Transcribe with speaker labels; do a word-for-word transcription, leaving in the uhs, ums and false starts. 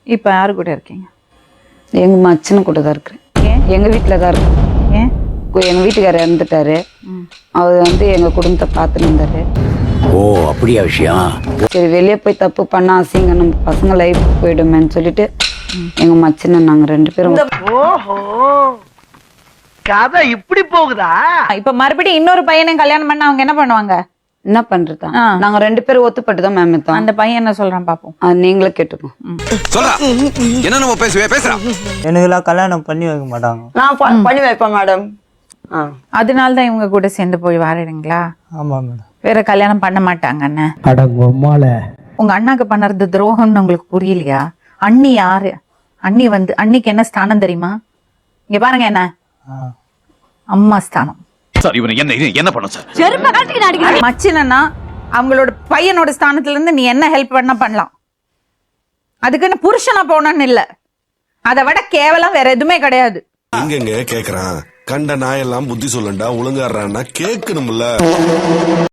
Speaker 1: இப்ப யாரு கூட இருக்கீங்க?
Speaker 2: எங்க மச்சனை கூட தான் இருக்கிறேன்.
Speaker 1: ஏன்?
Speaker 2: எங்க வீட்டுல தான் இருக்கேன்.
Speaker 1: ஏன்?
Speaker 2: எங்க வீட்டுக்காரர் இறந்துட்டாரு. அவர் வந்து எங்க குடும்பத்தை பார்த்துட்டு இருந்தாரு.
Speaker 3: ஓ அப்படியா விஷயம்?
Speaker 2: சரி வெளியே போய் தப்பு பண்ணா அசிங்க நம்ம பசங்க லைஃப் போயிடுமேன்னு சொல்லிட்டு எங்க மச்சனை நாங்க ரெண்டு பேரும்.
Speaker 4: ஓஹோ கதை இப்படி போகுதா?
Speaker 1: இப்ப மறுபடியும் இன்னொரு பையனையும் கல்யாணம் பண்ணா அவங்க என்ன பண்ணுவாங்க?
Speaker 2: என்ன பண்றதா?
Speaker 1: ஆ.
Speaker 2: நாங்க ரெண்டு பேரும் ஒத்துப்பட்டு தான் மேம் இருக்கோம்.
Speaker 1: அந்த பையன் என்ன சொல்றான் பாப்போம்.
Speaker 2: அது நீங்களே கேட்டுக்கோங்க.
Speaker 5: சொல்றா என்ன நம்ம பேசுவே பேசுறா.
Speaker 6: எனக்குலாம் கல்யாணம் பண்ணி வைக்க மாட்டாங்க.
Speaker 2: நான் பண்ணி வைப்பேன் மேடம்.
Speaker 1: அதனால தான் இவங்க கூட சேர்ந்து போய் வாரிடுங்களா?
Speaker 6: ஆமா மேடம்.
Speaker 1: வேற கல்யாணம் பண்ண மாட்டாங்க அண்ணன்.
Speaker 6: அடங்கம்மால
Speaker 1: உங்க அண்ணாக்கு பண்ணறது துரோகம்னு உங்களுக்கு புரியலையா? அண்ணி யாரு? அண்ணி வந்து அண்ணிக்கு என்ன ஸ்தானம் தெரியுமா? இங்க பாருங்க, என்ன அம்மா ஸ்தானம்.
Speaker 5: சார் இவனை என்ன இது என்ன பண்ணும் சார்?
Speaker 1: மச்சினா அவங்களோட பையனோட ஸ்தானத்துல இருந்து நீ என்ன ஹெல்ப் பண்ண பண்ணலாம். அதுக்குன்னு புருஷனா போனன்னு இல்ல, அதை விட கேவலம் வேற எதுவுமே கிடையாது.
Speaker 7: எங்கெங்க கேக்குறான்? கண்ட நாயெல்லாம் புத்தி சொல்லண்டா ஒழுங்காடுறான்னா கேட்கணும்ல.